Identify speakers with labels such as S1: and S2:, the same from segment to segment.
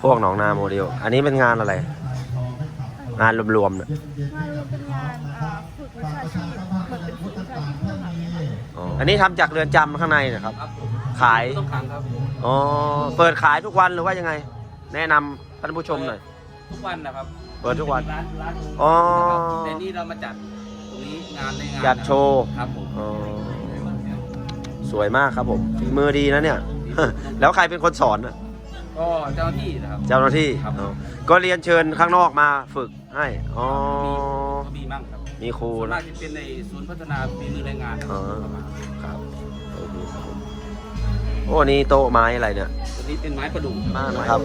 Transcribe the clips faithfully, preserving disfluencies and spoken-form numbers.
S1: วกหนองนาโมเดลอันนี้เป็นงานอะไรงานรวมๆเนี่ย
S2: งานเป็นงานฝึกวิชาชีพเหมือนเป็นฝึกวิชาชีพค่ะ
S1: อันนี้ทำจากเรือนจำข้างในนะครับขาย
S3: ต้องขังครับ
S1: อ๋อเปิดขายทุกวันหรือว่ายังไงแนะนำท่านผู้ชมหน่อย
S3: ทุกวันนะครับ
S1: เปิดทุกวัน
S3: ร้านร้าน
S1: อ๋อ
S3: แต่นี่เรามาจัดตรงนี้งานในงาน
S1: จัดโชว์
S3: ครับผม
S1: อ๋อสวยมากครับผมฝีมือดีนะเนี่ย แล้วใครเป็นคนสอนน่ะ
S3: ก็เจ้าหน้าที่นะครับ
S1: เจ้าหน้าที่
S3: ครับ
S1: อ๋อก็เรียนเชิญข้างนอกมาฝึกให้อ๋อ
S3: ก็มีมั่งครับ
S1: มีครู
S3: ส่วน
S1: นะ
S3: มากจะเป็นในศูนย์พัฒนาฝีมือแรงงานนะค
S1: อ๋
S3: รั
S1: อ
S3: บ
S1: ครับโอเคครับผมโอ้นี่โต๊ะไม้อะไรเนี่ย
S3: ตัวนี้เป็นไม้ประดู่
S1: มากนะครับ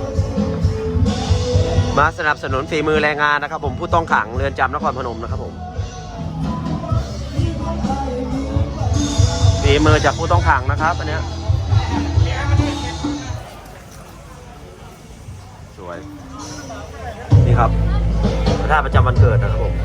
S1: มาสนับสนุนฝีมือแรงงานนะครับ ผมผู้ต้องขังเรือนจำนครพนมนะครับผมฝีมือจากผู้ต้องขังนะครับอันเนี้ยสวยนี่ครับพระธาตุประจำวันเกิดนะครับผม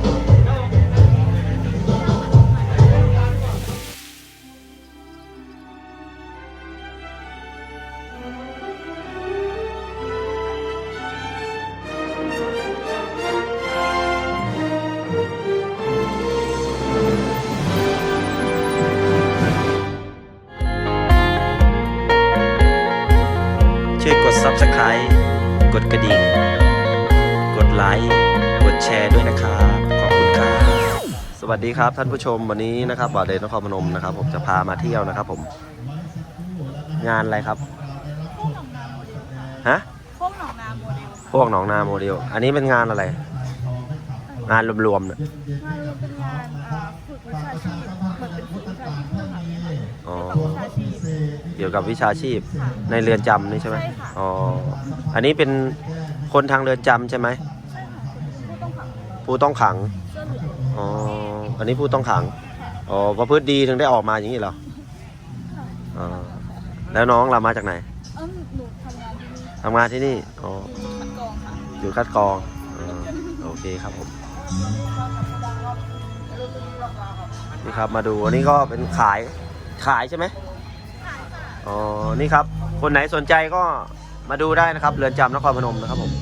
S1: ช่วยกด ซับสไครบ์ กดกระดิ่ง กดไลค์ กดแชร์ด้วยนะครับ ขอบคุณครับ สวัสดีครับท่านผู้ชมวันนี้นะครับบ่าวเดชนครพนมนะครับผมจะพามาเที่ยวนะครับผมงานอะไรครับฮะ
S2: พวกหนองนาโมเดล
S1: พวกหนองนาโมเดลอันนี้เป็นงานอะไรงานรวมๆเนี่ย
S2: งานเป็นงานฝึกวิชาชีพเหมือนเป็นฝึกวิชาชีพค่ะ
S1: อ๋อ
S2: เกี่ยวกับวิชาชีพ
S1: เกี่ยวกับวิชาชีพในเรือนจำนี่ใช่ไหม
S2: ใช่ค่ะ
S1: อ๋ออันนี้เป็นคนทางเรือนจำใช่ไหม
S2: ใช่ค่ะผู้ต้องขัง
S1: ผู้ต้องขัง
S2: เสื้อเหลือง
S1: อ๋ออันนี้ผู้ต้องขังอ๋อประพฤติดีถึงได้ออกมาอย่างนี้เหรออ๋อแล้วน้องเรามาจากไหน
S2: เออหนูทำงานที่นี่
S1: ทำงานที่นี่อ๋อ
S2: คัดกรองค่ะ
S1: อยู่คัดกรองอ๋อโอเคครับผมนี่ครับมาดูอันนี้ก็เป็นขายขายใช่ไหมอ๋อนี่ครับคนไหนสนใจก็มาดูได้นะครับเรือนจำนครพนมนะครับผม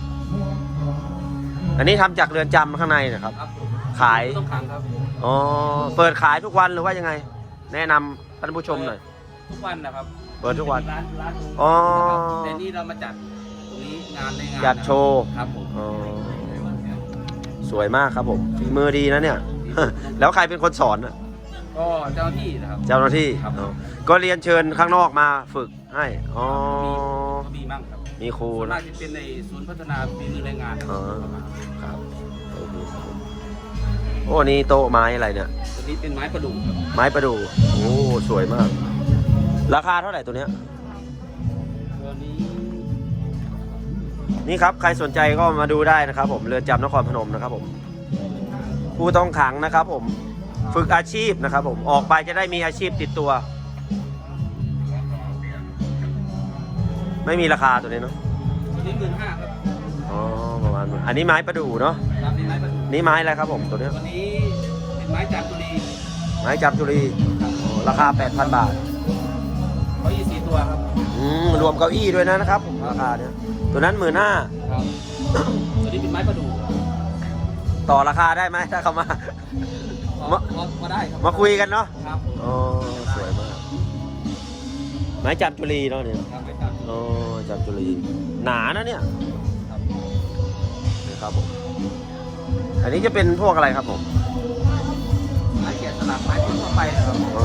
S1: อันนี้ทำจากเรือนจำข้างในนะครับ
S3: ครับ
S1: ขาย
S3: ต้องขังครับ
S1: อ๋อเปิดขายทุกวันหรือว่ายังไงแนะนำท่านผู้ชมหน่อย
S3: ทุกวันนะครับ
S1: เปิดทุกวัน
S3: ร้านร้าน
S1: อ๋อ
S3: แต่นี่เรามาจัดตรงนี้งานในงาน
S1: จัดโชว์
S3: ครับผม
S1: อ๋อสวยมากครับผมฝีมือดีนะเนี่ย แล้วใครเป็นคนสอนน่ะ
S3: ก็เจ้าหน้าที่นะครับ
S1: เจ้าหน้าที่
S3: ครับ
S1: อ๋อก็เรียนเชิญข้างนอกมาฝึกให้อ๋อ
S3: ก็มีมั่งครับ
S1: มีครู
S3: ส่วน
S1: นะ
S3: มากจะเป็นในศูนย์พัฒนาฝีมือแรงงานนะค
S1: อ๋
S3: รั
S1: อบ ครับโอเคครับผมโอ้นี่โต๊ะไม้อะไรเนี่ย
S3: ตัวนี้เป็นไม้ประดู่ครับ
S1: ไม้ประดู่โอ้สวยมาก ราคาเท่าไหร่ตัวเนี้ย
S3: ตัวนี้
S1: นี่ครับใครสนใจก็มาดูได้นะครับผมเรือนจำนครพนมนะครับผมผู้ต้องขังนะครับผมฝึกอาชีพนะครับผมออกไปจะได้มีอาชีพติดตัว ไม่มีราคาตัวนี้เนาะ
S3: ตัวนี้หมื่นห้าครับ
S1: อ๋อประมาณอันนี้ไม้ประดู่เนาะ
S3: รับนี่ไม้ประดู่
S1: นี่ไม้อะไรครับผมตัวเนี้ย
S3: ตัวนี้เป็นไม้จามจุลี
S1: ไม้จับจุลีอ๋อราคา แปดพัน บาท
S3: เขายี่สี่ตัวครับ
S1: อืมรวมเก้าอี้ด้วยนะนะครับผมราคาเนี้ยตัวนั้นหมื่นห้า
S3: ครับตัวนี้เป็นไม้ประดู่
S1: ต่อราคาได้ไหมถ้าเขามา
S3: มามาได้ครับ
S1: มาคุยกันเนาะ
S3: ครับ
S1: อ๋อสวยมากไม้จับจุลีเนาะเนี่ย
S3: ครับไม้จามจุลี
S1: อ๋อจับจุลีหนานะเนี่ย
S3: ครับ
S1: นี่ครับผมอันนี้จะเป็นพวกอะไรครับผม
S3: ไม้แกะสลักไม้ทั่วไปนะครับ
S1: อ๋อ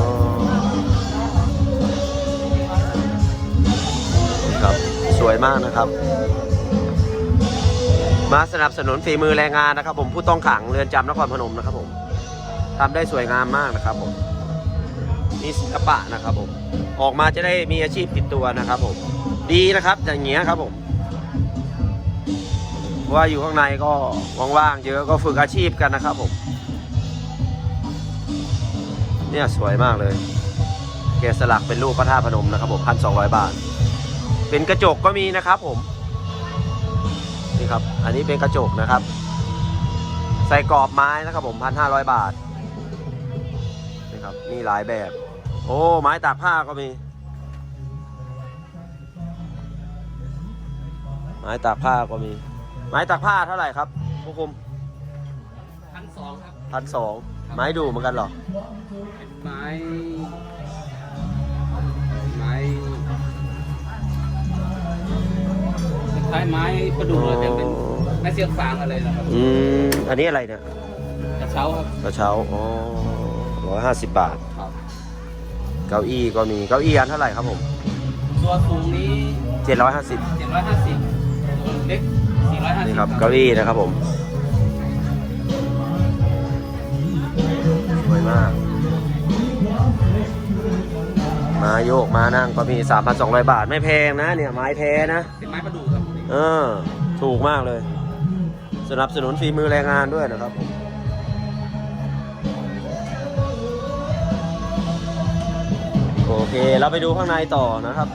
S1: ครับสวยมากนะครับ มาสนับสนุนฝีมือแรงงานนะครับ ผมผู้ต้องขังเรือนจำนครพนมนะครับผมทำได้สวยงามมากนะครับผมนี่ศิลปะนะครับผมออกมาจะได้มีอาชีพติดตัวนะครับผมดีนะครับอย่างเงี้ยครับผมเพราะว่าอยู่ข้างในก็ว่างๆเยอะก็ฝึกอาชีพกันนะครับผมเนี่ยสวยมากเลยแกะสลักเป็นรูปพระธาตุพนมนะครับผมพันสองร้อยบาทเป็นกระจกก็มีนะครับผมนี่ครับอันนี้เป็นกระจกนะครับใส่กรอบไม้นะครับผมพันห้าร้อยบาทนี่ครับมีหลายแบบโอ้ไม้ตากผ้าก็มีม้ตากผ้าก็มี ไม้ตากผ้าเท่าไหร่ครับผู้คุม
S3: พันสองครับ
S1: พันสองไม้ดูเหมือนกันเหรอ
S3: เป็นไม้ไม้คล้ายไม้ประดู่เลยแต่เป็นไม้เสียงฟางอะไรนะครับ
S1: อืมอันนี้อะไรเนี่ย
S3: กระเช้าครับ
S1: กระเช้าอ๋อร้อยห้าสิบบาท
S3: ครับ
S1: เก้าอี้ก็มีเก้าอี้อันเท่าไหร่ครับผม
S3: ตัวสูงนี้
S1: เจ็ดร้อยห้าสิบ
S3: เจ็ดร้อยห้าสิบตัวเล็กสี่ร้อยห้าสิ
S1: นี่
S3: บ
S1: ครับเก้าอี้นะครับผมสวยมากมาโยกมานั่งก็มี สามพันสองร้อย บาทไม่แพงนะเนี่ยไม้แท้นะ
S3: เป็นไม้ประดู่ครับ
S1: เออถูกมากเลย สนับสนุนฝีมือแรงงานด้วยนะครับผมโอเคเราไปดูข้างในต่อนะครับ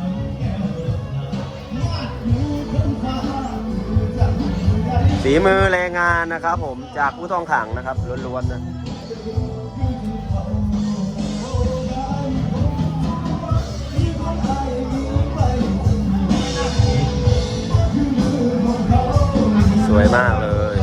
S1: ฝีมือแรงงานนะครับผมจากผู้ต้องขังนะครับล้วนๆนะสวยมากเลย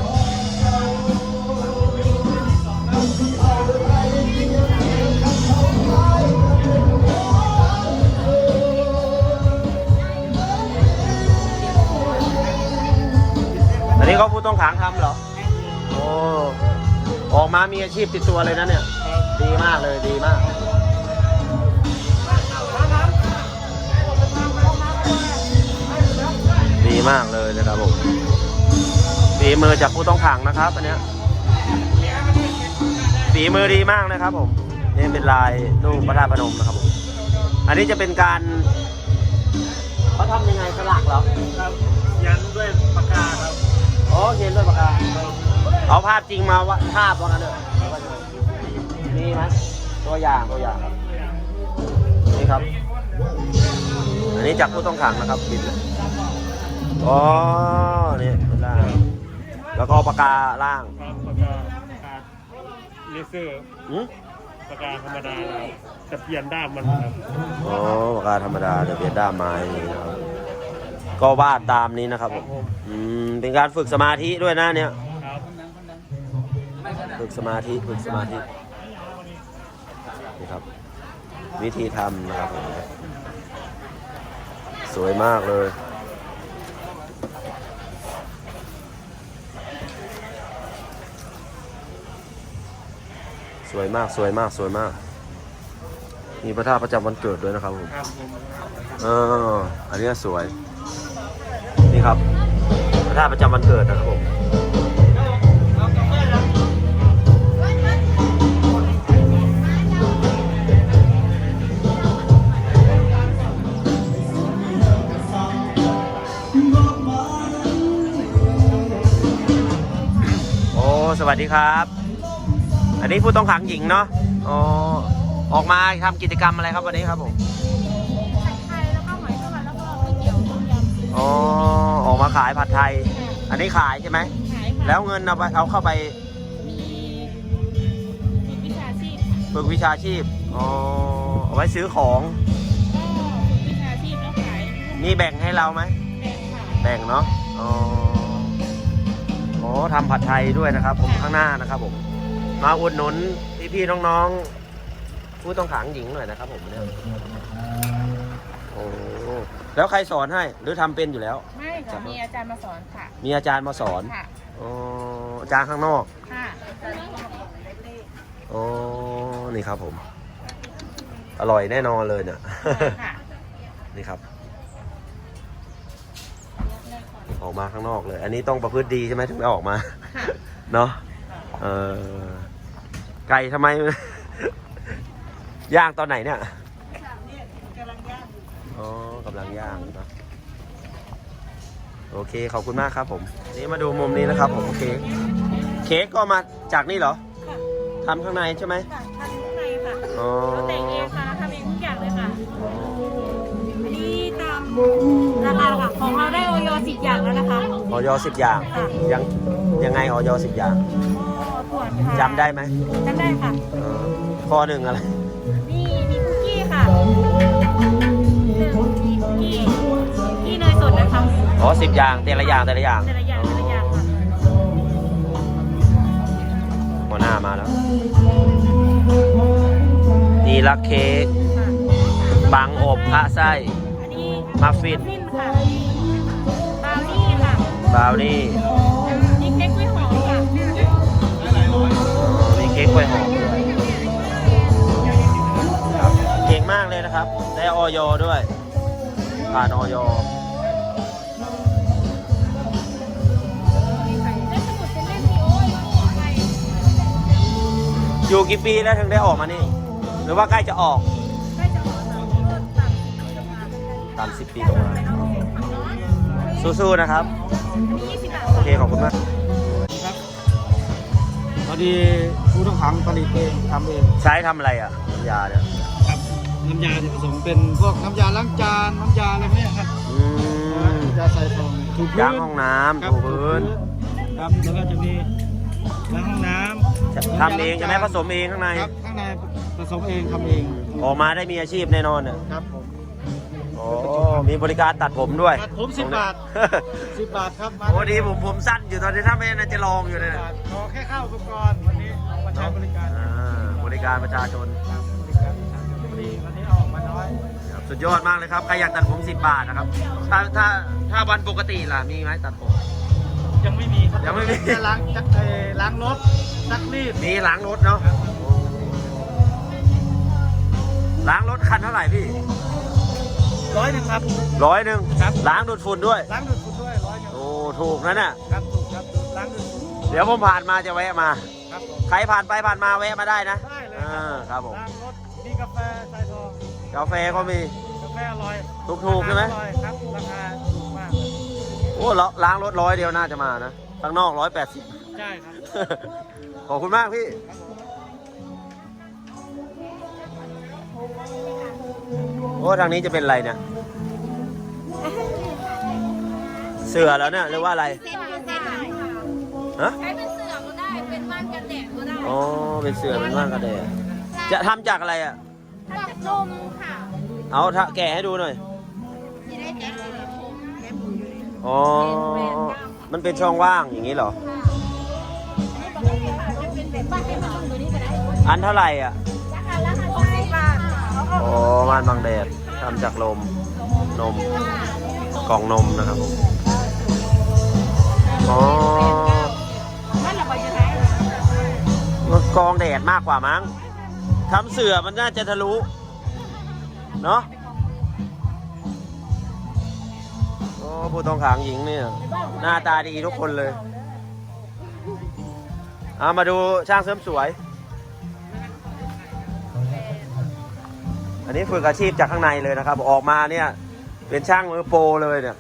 S1: อันนี้ก็ผู้ต้องขังทำเหรอโอ้ออกมามีอาชีพติดตัวเลยนะเนี่ยดีมากเลยดีมากดีมากเลยนะครับผมฝีมือจากผู้ต้องขังนะครับอันเนี้ยฝีมือดีมากนะครับผมนี่เป็นลายรูปพระธาตุพนมนะครับผมอันนี้จะเป็นการเขาทำยังไงสลักเหรอ
S4: ครับยันด้วยปากกาครับ
S1: อ๋อเขียนด้วยปากกาเอาภาพจริงมาวะภาพว่ากันเถอะนี่ไหมตัวอย่างตัวอย่างครับนี่ครับอันนี้จากผู้ต้องขังนะครับบิดเลยอ๋อนี่เป็นล่างแล้วก็ปากกาล่าง
S4: ครับปากกาปากกาเลเซอร์
S1: อืม
S4: ปากกาธรรมดาเราจะเปลี่ยนด้ามมันครับ
S1: อ๋อปากกาธรรมดาเดี๋ยวเปลี่ยนด้ามไม้นี่นะครับก็วาดตามนี้นะครับผมอืมเป็นการฝึกสมาธิด้วยนะเนี่ย
S4: ครับ
S1: ฝึกสมาธิฝึกสมาธินี่ครับวิธีทำนะครับผมสวยมากเลยสวยมากสวยมากสวยมากมีพระธาตุประจำวันเกิดด้วยนะครับผม
S4: ครับผม
S1: เอออันนี้สวยนี่ครับพระธาตุประจำวันเกิดนะครับผมโอ้สวัสดีครับอันนี้ผู้ต้องขังหญิงเนาะอ๋อออกมาทำกิจกรรมอะไรครับวันนี้ครับผม
S2: ผัดไทยแล้วก็หอยทอดแล้วก็ก๋วยเตี๋ยวต้มยำ
S1: อ๋อออกมาขายผัดไทย อันนี้ขายใช่ไหม
S2: ขายค่ะ
S1: แล้วเงินเอาไปเอาเข้าไป
S2: มีมีวิชาชีพ
S1: ฝึกวิชาชีพอ๋อเอาไว้ซื้อของ
S2: ก็วิชาชีพแล้วขาย
S1: มีแบ่งให้เราไหม
S2: แบ่งค่ะ
S1: แบ่งเนาะอ๋อโอ้ทำผัดไทยด้วยนะครับ ผมข้างหน้านะครับผม มาอุดหนุนพี่ๆน้องๆผู้ต้องขังหญิงหน่อยนะครับผมเนี่ยโอ้แล้วใครสอนให้หรือทำเป็นอยู่แล้ว
S2: ไม่ค่ะมีอาจารย์มาสอนค่ะ
S1: มีอาจารย์มาสอน
S2: ค่ะ
S1: อ๋ออาจารย์ข้างนอก
S2: ค่ะอาจารย์ก็มาบอกเลข
S1: อ๋อนี่ครับผม อร่อยแน่นอนเลยเนี่ย
S2: ค่ะ
S1: นี่ครับ ออกมาข้างนอกเลย อันนี้ต้องประพฤติดีใช่ไหมถึงได้ออกมา
S2: ค่ะ
S1: เนาะเออไก่ทำไม ย่างตอนไหนเนี่ยอ๋อกำลังย่างเนอะโอเคขอบคุณมากครับผม นี่มาดูมุมนี้นะครับผมเค้กเค้กก็มาจากนี่เหรอ
S2: ค่ะ
S1: ทำข้างในใช่ไหม
S2: ค่ะทำข้างในค่ะ
S1: อ๋อ
S2: เราแต่งเองค่ะทำเองทุกอย่างเลยค่ะอันนี้ตามราคาค่ะของเราได้ออยสิบอย่างแล้วนะคะ
S1: ออยสิบอย่าง
S2: ค่ะ
S1: ยังยังไงออยสิบอย่าง
S2: ก็ตรวจค่ะ
S1: จำได้ไหม
S2: จำได้ค่ะ
S1: เออข้อหนึ่งอะไร
S2: นี่มีคุกกี้ค่ะหนึ่งมีคุกกี้คุกกี้เนยสดนะคะำ
S1: อ๋อสิบอย่างแต่ละอย่างแต่ละอย่าง
S2: แต่ละอย่างแต่ละอย่างค่ะ
S1: หัวหน้ามาแล้วนี่ลักเค้กบังอบพระไส้
S2: อันนี้
S1: มัฟฟิน
S2: ค่ะบราวนี่ค่ะ
S1: บราวนี่
S2: นี่เค้กกล้วยหอมค่ะ
S1: มีเค้กกล้วยหอมด้วยครับเก่งมากเลยนะครับ ได้ออยด้วย ผ่านออย
S2: ได้สมุดเป็นเล่มนี้โอ้ยอะไร
S1: อยู่กี่ปีแล้วถึงได้ออกมานี่ หรือว่าใกล้จะออก
S2: ใกล้จะออกแล้วก็ตัดจะมา
S1: ตามสิบปีตรงมาสู้ๆนะครับ
S2: ยี่สิบบาท
S1: โอเค ขอบคุณมาก
S5: ครับพอดีผู้ต้องขังผลิตเองทำเอง
S1: ใช้ทำอะไรอ่ะน้ำยาเนี่ย
S5: ครับน้ำยาที่ผสมเป็นพวกน้ำยาล้างจานน้ำยาอะไรพวกเนี้ยครับ
S1: อืม
S5: น้ำยาใส่ฟองถูพื้น
S1: ล้างห้องน้ำ
S5: ครับ
S1: ถูพื้น
S5: ครับแล้วก็จะมีล้างห้องน้ำ
S1: ทำเองใช่ไหมผสมเองข้างใน
S5: ครับข้างในผสมเองทำเอง
S1: ออกมาได้มีอาชีพแน่นอนเนี่ย
S5: ครับผม
S1: โอ้มีบริการตัดผมด้วย
S5: ตัดผมสิบบาทสิบบาทครับมา
S1: โอ้ดีผมผมสั้นอยู่ตอนนี้ถ้าไม่น่าจะลองอยู่เลย
S5: สิบ
S1: นะ
S5: บาทขอแค่เข้าอุปกรณ์วันนี้มาใช้บริการ
S1: อ่าบริการประชาชน
S5: ครับบริการทางชลบุรีวันนี้เอาออกมาน้อย
S1: ครับสุดยอดมากเลยครับ ใครอยากตัดผมสิบบาทนะครับ ถ้าถ้าถ้าวันปกติล่ะ มีไหมตัดผม
S5: ยังไม่มีครับ
S1: ยังไม่มี
S5: แค่ล้างจักเอ่อล้างรถซักรีด
S1: มีล้างรถเนาะล้างรถคันเท่าไหร่พี่
S5: ร้อยหนึ่งครับ
S1: ร้อยหนึ่ง
S5: ครับ
S1: ล้างดูดฝุ่นด้วย
S5: ล้างดูดฝุ่นด้วยร้อยหนึ่ง
S1: โอ้ถูกนะเนี่ย
S5: ครับถูกครับล้างดูดฝุ่น
S1: เดี๋ยวผมผ่านมาจะแวะมา
S5: ครับผม
S1: ใครผ่านไปผ่านมาแวะมาได้นะ
S5: ได้เลย
S1: อ่าครับผม
S5: ล้างรถมีกาแฟสายทอง
S1: กาแฟก็มี
S5: กาแฟอร่อย
S1: ถูกๆใช่ไหม
S5: อร่อยครับราคาถูกมาก
S1: โอ้ล้างรถร้อยเดียวน่าจะมานะข้างนอกร้อยแปดสิบ
S5: ใช่ครับ
S1: ขอบคุณมากพี่ โอ้ทางนี้จะเป็นอะไรเนี่ย เสือแล้วเนี่ยหรือว่าอะไร
S2: เซ็นคือเซ็นได้ค่ะ
S1: ฮะ
S2: ใช้เป็นเสือก็ได้ เป็นม่านกันแดดก็ได้
S1: อ๋อ เป็นเสือเป็นว่างกระเดะจะทำจากอะไรอ่ะ
S2: จากนมค่ะ
S1: เอาถ้าแกะให้ดูหน่อย
S2: จะได้แจ็คสีชมแม่หมูอยู่ใน
S1: อ๋อ มันเป็นช่องว่างอย่างนี้เหรอ
S2: อันนี้ปกติค่ะจะเป็นแบบบ้านเป็นบ้านตัวนี้ก็ได้
S1: อันเท่าไหร่อ่ะ
S2: ราคาราคาหกสิบบาทเขาก็
S1: อ๋อม่านบังแดดทำจากลม นม กล่องนมนะครับผม อ๋อ
S2: นั่นแหละไปจะได้
S1: มันกรองแดดมากกว่ามั้งทำเสือมันน่าจะทะลุ เนาะโอ้ผู้ต้องขังหญิงเนี่ย หน้าตาดีทุกคนเลย เอามาดูช่างเสริมสวย อันนี้ฝึกอาชีพจากข้างในเลยนะครับ ออกมาเนี่ย เป็นช่างมือโปรเลยเนี่ย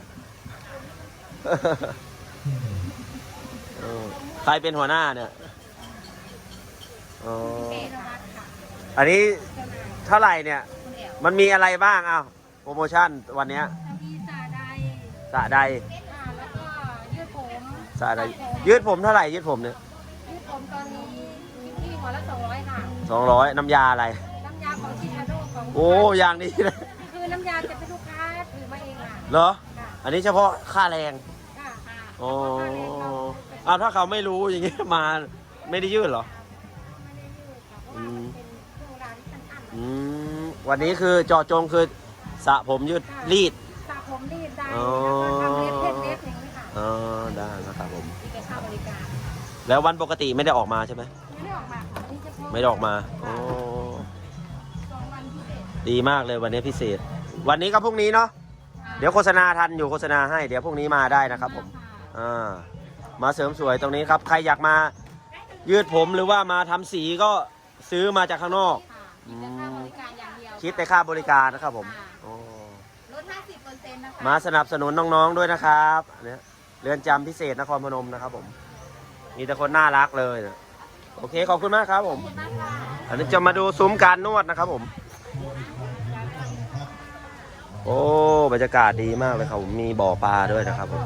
S1: เออใครเป็นหัวหน้าเนี่ยอ๋ออันนี้เท่าไหร่เนี่ย มันมีอะไรบ้างอ้าวโปรโมชั่นวันเนี้ย
S2: มีสาใด
S1: สระใด
S2: ค่ะแล้วก็ยืดผม
S1: สระใดยืดผมเท่าไหร่ยืดผมเนี่ย
S2: ยืดผมตอนนี้ที่หัวละสองร้อยค่ะ
S1: สองร้อยน้ำยาอะไร
S2: น้ำยาของชิคาโดของ
S1: โอ้อย่างนี้นะ
S2: คือน้ำยาจะเป็นลูกค้าถือมาเองค่ะ
S1: เหรอ
S2: ค่ะ
S1: อันนี้เฉพาะค่าแรง
S2: ค่ะค่ะ
S1: อ๋ออ้าวถ้าเขาไม่รู้อย่างงี้มาไม่ได้ยืดเหรอ
S2: ไม่ได้ยืดค่ะเพราะว่ามันเป็นโรงงานที่มันอั้น
S1: อืมวันนี้คือเจาะจงคือสระผมยืดรีด
S2: สระผมรีดได้
S1: อ๋อ
S2: แล้วก็ทำเล็บเพชรเล็บอย่างนี้ค่ะ
S1: อ๋อได้นะครับผม
S2: มีแต่ค่าบริการ
S1: แล้ววันปกติไม่ได้ออกมาใช่ไหม
S2: ไม่ได้ออกมาค่ะนี่เฉพาะ
S1: ไม่ได้ออกมาอ๋อ
S2: สองวันพิเศษ
S1: ดีมากเลยวันนี้พิเศษ วันนี้กับพรุ่งนี้เนาะเดี๋ยวโฆษณาทันอยู่โฆษณาให้เดี๋ยวพรุ่งนี้มาได้นะครับผมอ่ามาเสริมสวยตรงนี้ครับใครอยากมายืดผมหรือว่ามาทำสีก็ซื้อมาจากข้างนอก
S2: ค่ะมีแต่ค่าบริการอย่างเดียว
S1: คิดแต่ค่าบริการนะครับผมอ๋อ
S2: ลดห้าสิบเปอร์เซ็นต์นะคะ
S1: มาสนับสนุนน้องๆด้วยนะครับเนี่ยเรือนจำพิเศษนครพนมนะครับผมมีแต่คนน่ารักเลยนะโอเคขอบคุณมากครับผมอันนี้จะมาดูซุ้มการนวดนะครับผมโอ้บรรยากาศดีมากเลยครับผมมีบ่อปลาด้วยนะครับผม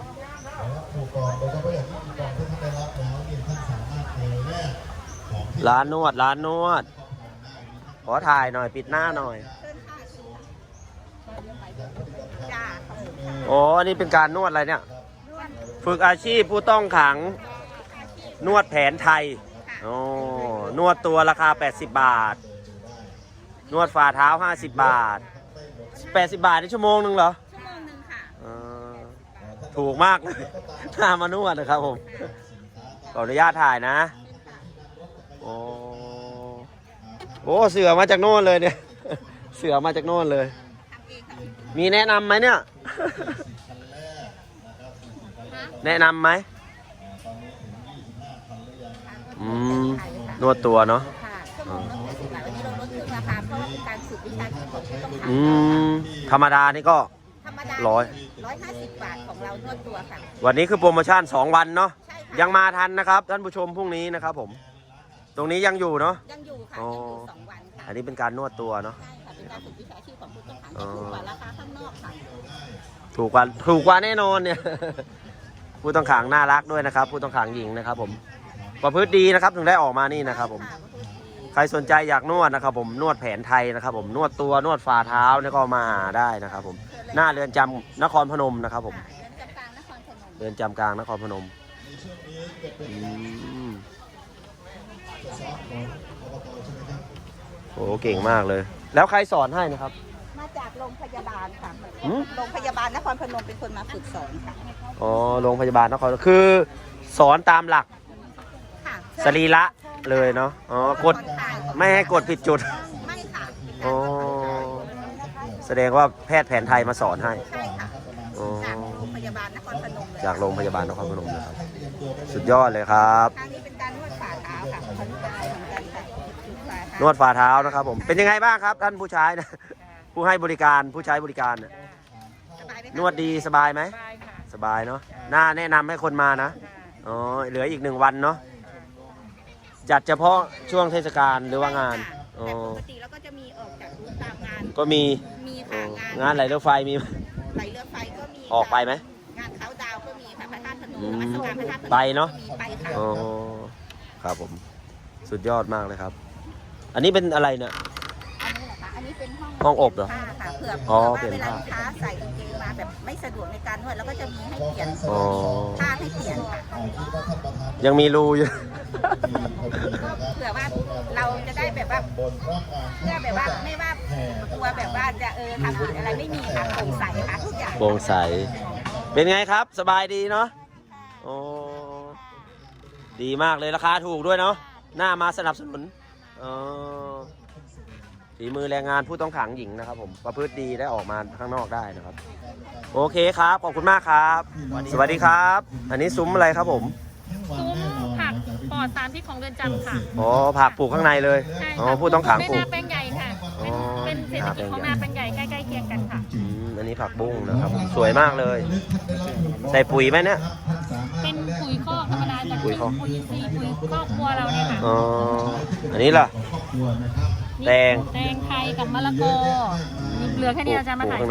S1: ร้านนวดร้านนวดขอถ่ายหน่อยปิดหน้าหน่อย
S2: จ้า
S1: เออ๋ออันนี้เป็นการนวดอะไรเนี่ย ฝึกอาชีพผู้ต้องขังนวดแผนไทยอ๋อนวดตัวราคาแปดสิบบาท นวดฝ่าเท้าห้าสิบบาทแปดสิบบาทในชั่วโมงหนึ่งเหรอ
S2: ชั่วโมงหนึ่งค่ะ
S1: อ่าถูกมากเลยน่ามานวดนะครับผมขออนุญาตถ่ายนะโอ้โหเสือมาจากโน่นเลยเนี่ยเสือมาจากโน่นเลย มีแนะนำไหมเนี่ย แนะนำไหมอืมนวดตัวเนาะ
S2: ค่ะชั่วโมงละแปดสิบบาทวันนี้เราลดครึ่งราคาเพราะว่าเป็นการฝึกวิชาชีพของผู้ต้องขัง
S1: อืมธรรมดานี่ก็
S2: ธรรมดา
S1: ร้อย
S2: ร้อยห้าสิบบาทของเรานวดตัวค่ะ
S1: วันนี้คือโปรโมชั่นสองวันเนาะ
S2: ใช่ค่ะ
S1: ยังมาทันนะครับท่านผู้ชมพรุ่งนี้นะครับผม ตรงนี้ยังอยู่เนาะ
S2: ยังอยู่ค่ะ
S1: อ๋อ
S2: ยังอยู่สองวันค่ะ
S1: อันนี้เป็นการนวดตัวเนาะ
S2: ใช่ค่ะเป็นการฝึกวิชาชีพของผู้ต้องขัง
S1: อ๋
S2: จะ
S1: อ
S2: ถูกกว่าราคาข้างนอกค่ะ
S1: ถูกกว่าถูกกว่าแน่นอนเนี่ย ผู้ต้องขังน่ารักด้วยนะครับ ผู้ต้องขังหญิงนะครับ ผมประพฤติดีนะครับถึงได้ออกมานี่นะครับ ผม ใครสนใจอยากนวดนะครับ ผมนวดแผนไทยนะครับ ผมนวดตัวนวดฝ่าเท้าเนี่ยก็มาหาได้นะครับ ผมหน้าเรือนจำนครพนมนะครับ ผม
S2: เรือนจำกลางนครพนม
S1: เรือนจำกลางนครพนมอืมโอ้เก่งมากเลย แล้วใครสอนให้นะครับ
S2: มาจากโรงพยาบาลค่ะ
S1: หืม
S2: โรงพยาบาลนครพนมเป็นคนมาฝึกสอนค่ะ
S1: อ๋อโรงพยาบาลนครคือสอนตามหลัก
S2: ค่ะ
S1: สรีระเลยเนาะอ๋อกดไม่ให้กดผิดจุด
S2: ไม่ค่ะ
S1: อ๋อแสดงว่าแพทย์แผนไทยมาสอนให้
S2: ใช่ค่ะ
S1: อ๋อ
S2: จากโรงพยาบาลนครพนมเลย
S1: จากโรงพยาบาลนครพนมนะครับ สุดยอดเลยครับ
S2: ทางนี้เป็นการนวดฝ่าเท้าค่ะผ่อนคลายเหมือนกันค่ะฝ่าเท้าน
S1: วดฝ่าเท้านะครับผมเป็นยังไงบ้างครับ ท่านผู้ใช้นะ ผู้ให้บริการผู้ใช้บริการน่ะ
S2: สบายไหมคะ
S1: นวดดีสบายไหม
S2: สบายค่ะ
S1: สบายเนาะน่าแนะนำให้คนมานะอ๋อเหลืออีกหนึ่งวันเนาะจัดเฉพาะช่วงเทศกาลหรือว่างานอ๋อ
S2: แต่ปกติแล้วก็จะมีออกจากบูธตามงาน
S1: ก็มี
S2: มี
S1: อ๋
S2: ค่ะ
S1: องานไหลเรือไฟมีไหม
S2: ไหลเรือไฟก็มี
S1: ออกไปไหม
S2: งานเขาดาวก็มีค่ะพระธาตุพนม
S1: อืม
S2: นมัสการพระธาตุพนม
S1: ไปเนอะ
S2: ก็มีไปค่ะ
S1: อ๋อครับผมสุดยอดมากเลยครับ อันนี้เป็นอะไรเนี่ย
S2: อันนี้เหรอคะอันนี้เป็นห้อง
S1: ห้องอบเหรอ
S2: ผ้าค่ะเผื่อ
S1: อ๋อ
S2: เผื่อ
S1: เปลี่ยน
S2: ว่าเวลา
S1: ผ้า
S2: ลูกค้าใส่กางเกงมาแบบไม่สะดวกในการนวดแล้วก็จะมีให้เปลี่ยน
S1: อ๋อ
S2: ผ้าให้เปลี่ยนค่ะ
S1: ยังมีรูอยู่
S2: ก็เผื่อว่าเราจะได้แบบว่าเพื่อแบบว่าไม่ว่ากลัวแบบว่าจะเออทำผิดอะไรไม่มีค่ะโปร่งใสค่ะทุกอย่าง
S1: โปร่งใส เป็นไงครับ สบายดีเนาะโอ้ดีมากเลยราคาถูกด้วยเนาะหน้ามาสนับสนุนอ๋อฝีมือแรงงานผู้ต้องขังหญิงนะครับ ผมประพฤติดีได้ออกมาข้างนอกได้นะครับ โอเคครับขอบคุณมากครับ สวัสดีครับ อันนี้ซุ้มอะไรครับผม
S6: ซุ้มผักปลอดสารพิษของเรือนจำค่ะ
S1: อ๋อผักปลูกข้างในเลย
S6: ใช่
S1: อ๋อ
S6: ค่ะ
S1: ผู้ต้องขัง
S6: ไม่
S1: ปลู
S6: นาก แปลงใหญ่ค่ะ
S1: อ๋อ
S6: เป็นเป็นเศรษฐกิจของนาแปลงใหญ่ใกล้ๆเคียงกันค่ะ
S1: อืมอันนี้ผักบุ้งนะครับ สวยมากเลย ใส่ปุ๋ยไหมเนี่ย
S6: เป็นปุ๋ยคอกธรรมดาจาก
S1: ปุ๋ยคอก
S6: ปุ๋ยอินทรีย์ปุ๋ยครอบครัวเราเนี่ยค่ะ
S1: อ๋ออันนี้ล่ะ แตง
S6: แตงไทยกับมะละกอนี่เหลือแค่นี้เราจะมา
S1: ปลูก
S6: ถ่าย
S1: ข้างใน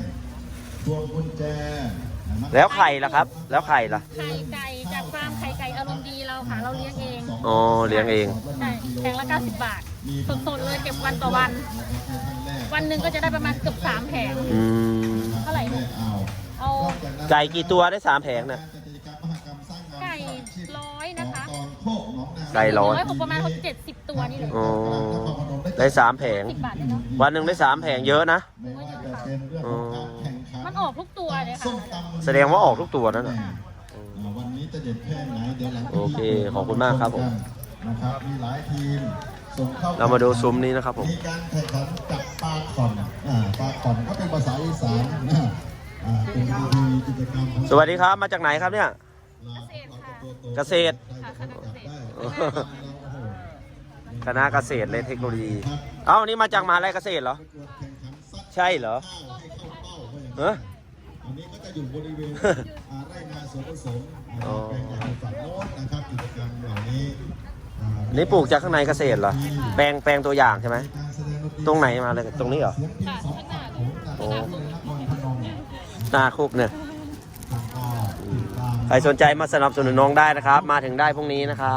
S1: แล้วไข่ล่ะครับ แล้วไข่ล่ะ
S6: ไข่ไก่จากฟาร์มไข่ไก่อารมณ์ดีเราค่ะ เราเลี้ยงเอง
S1: อ๋อเลี้ยงเอง
S6: ใช่แพงละเก้าสิบบาทสดๆเลยเก็บวันต่อวัน วันหนึ่งก็จะได้ประมาณเกือบสามแผง
S1: อืม
S6: เท่าไหร่เนี่ยเอา
S1: ไก่กี่ตัวได้สามแผงนะ
S6: ไก่ร้อยนะคะ
S1: ไก่ร้อย
S6: ผมประมาณเจ็ดสิบตัวนี่เลย
S1: อ๋อได้สามแผง
S6: สิบบาทเลยเนาะ
S1: วันหนึ่งได้สามแผงเยอะนะ
S6: ผมว่าเยอะค่ะ
S1: อ๋อ
S6: มันออกทุกตัวเลยค่ะ
S1: แสดงว่าออกทุกตัวนั่นน่ะ
S5: วันนี้จะเด็ดแค่ไหนเดี๋ยวหลัง
S1: โอเคขอบคุณมากครับผม
S5: นะครับมีหลายทีมส่งเข้า
S1: เรามาดูซุ้มนี้นะครับผม
S5: มีการแข่งขันจับปลาขอนอ่าปลาขอนก็เป็นภาษาอีสานนะอ่าเป็นวิธีกิจกรรมของ
S1: สวัสดีครับมาจากไหนครับเนี่ย
S6: เกษตรค่ะ
S1: เกษตร
S6: ค่ะคณะเกษตร
S1: คณะเกษตรและเทคโนโลยี เอ้านี่มาจากมหาลัยเกษตรเหรอ ใช่เหรอเออ
S5: อันนี้ก็จะอยู่บริเวณอ่าไร่นาสวนผสมนะค
S1: อ๋
S5: รั
S1: อ
S5: บแปลงใหญ่ฝั่งโน้นนะครับกิจกรรมเหล่านี้อ่า
S1: นี่ปลูกจากข้างในเกษตรเหรอ แปลงแปลงตัวอย่างใช่ไหม
S5: การแสดงดนตรี
S1: ตรงไหนมาเลย ตรงนี้เหรอ
S5: เสียงเพลงสองฝั่งโขงจาก
S1: โอ้
S5: จังหวัดนครพนม
S1: หน้าคุกเนี่ย
S5: แล้วก็ติดตาม
S1: ใครสนใจมาสนับสนุนน้องได้นะครับ มาถึงได้พรุ่งนี้นะครับ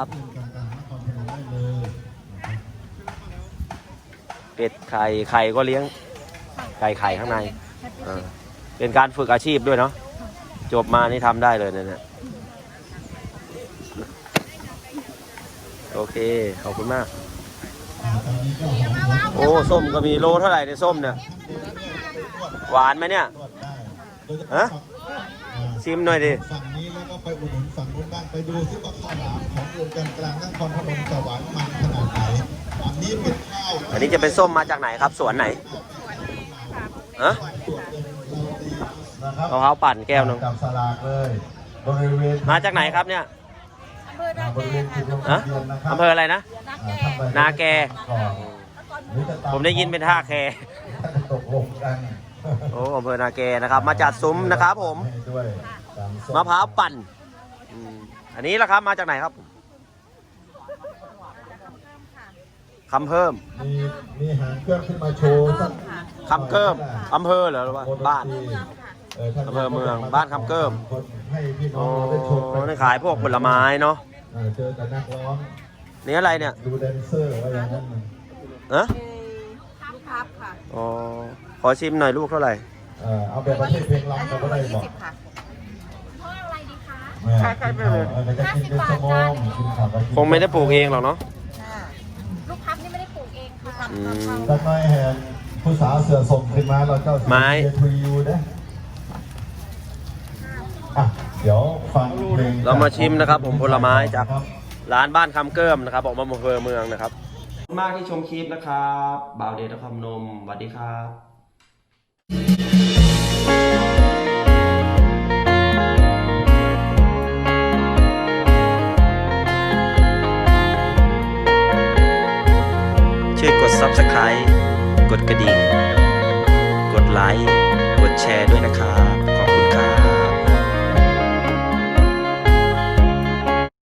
S1: เป็ดไข่ไข่ก็เลี้ยง ไก่ไข่ข้างในอ่าเป็นการฝึกอาชีพด้วยเนาะจบมานี่ทำได้เลยเนี่ยโอเคขอบคุณมากโอ้ส้มก็มีโลเท่าไหร่ในส้มเนี่ยหวานไหมเนี่ยฮะชิมหน่อยดิ
S5: ฝั่งนี้แล้วก็ไปอุดหนุนฝั่งนู้นบ้างไปดูซิว่าข้าวหลามของโรงกันกลางนครพนมจะหวานมันขนาดไหนอันนี้เป็นข้าว
S1: อันนี้จะเป็นส้มมาจากไหนครับสวนไหนฮะ
S5: นะครับ
S1: มะพร้าวปั่นแก้วหนึง
S5: จับสลากเลยบริเวณ
S1: มาจากไหนครับเนี่ย
S5: บริเวณจุดลง
S1: ฮะ
S5: ทะเบียนนะครับ
S1: อำเภออะไรนะ นาแก
S5: ก่อนหรือจะตา
S1: ผมได้ยินเป็นท่าแค
S5: ตกลงกัน
S1: โอ้อำเภอนาแกนะครับ มาจัดซุ้มนะครับผม
S5: ให้ด้วยตามส้
S1: มะพร้าวปั่นอืมอันนี้ล่ะครับมาจากไหนครับคำเพิ่ม
S5: มีมีหางเครื่องขึ้นมาโชว์สัก
S1: คำเกิมอำเภอเหรอหรือว่าบ้าน
S5: ท่า
S1: อำเภอเมืองบ้านคำเกิม
S5: ให้พี่น้
S1: อ๋
S5: อ
S1: อง
S5: เราได้ชมกั
S1: นี่ขายพวกผลไม้เนาะ
S5: เออเจอแต่นักร้อง
S1: นี่อะไรเนี่ย
S5: ดูแดนเซอร์ว่าอย่างนั้นมัน
S1: เอะ
S2: ลูกพับค่ะ
S1: อ๋อขอชิมหน่อยลูกเท่าไหร่
S5: เออเอาแบบประเทศเพลงรำก็ได้บอก
S2: ค่ะ
S6: เพราะอะไรดีคะ
S5: แม่กินข้าวเออจะกินเป็นชั่วโมงกินข้าวก็กิน
S1: คงไม่ได้ปลูกเองหรอกเนาะ
S6: ลูกพับนี่ไม่ได้ปลูกเองค่ะ
S1: อืม
S5: สักหน่อยแหนผู้สาวเสือส่งขึ้นมาเราเจ้า
S1: ไม้
S5: เจทูยูนะอ่ะเดี๋ยวฟังเพลง
S1: เรามาชิมนะครับผมผลไม้จากร้านบ้านคำเกิมนะครับออกมาอำเภอเมืองนะครับขอบคุณมากที่ชมคลิปนะครับบ่าวเดชนครพนมสวัสดีครับช่วยกด ซับสไครบ์ กดกระดิ่ง กดไลค์ กดแชร์ด้วยนะครับ